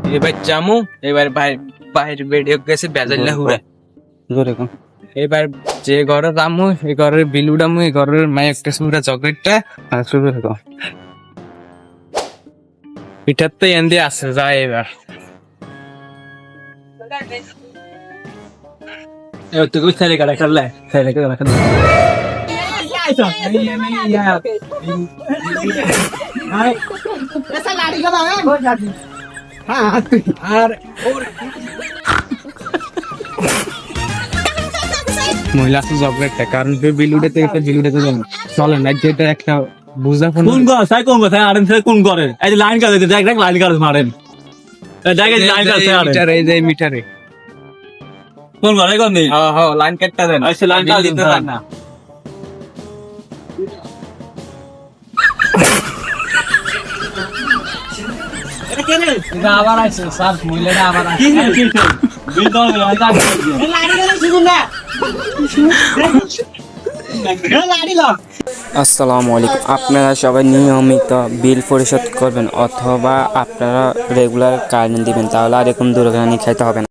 এবার জামু এবার বাইরে বেরিয়ে গেছে বেজাল্লা হুড়া জোরে কম এবার যে ঘরে রামু এই ঘরের বিলুডামু এই ঘরের মাই একটা সুরা চকলেটটা আর শুরু থেকে পিঠার তো এন্দি আছে যায় এবার এবার তুই ছেলে কাটা খেললে ছেলে কাটা খেললে আর মহিলা চকলেটটা কারণ বিলুডেতে বিলুডেতে চলে না যেটা একটা বুঝা ফোন কোন গো সাই কোন কথা আরেন সে কোন করে এই যে লাইন কাটে দেখ দেখ লাইন কাটে মারেন দেখ এই লাইন কাটে আরেন মিটারে এই যে মিটারে কোন করে কোন নেই হ্যাঁ হ্যাঁ লাইন কাটটা দেন আচ্ছা লাইন কাটে দিতে না এটা আবার আছে স্যার মহিলাটা আবার আছে কি কি বিল দাও লাইন কাটে আসসালামু আলাইকুম আপনারা সবাই নিয়মিত বিল পরিশোধ করবেন অথবা আপনারা রেগুলার কারেন্ট দিবেন তাহলে আর এরকম দুর্ঘটনা খাইতে হবে না।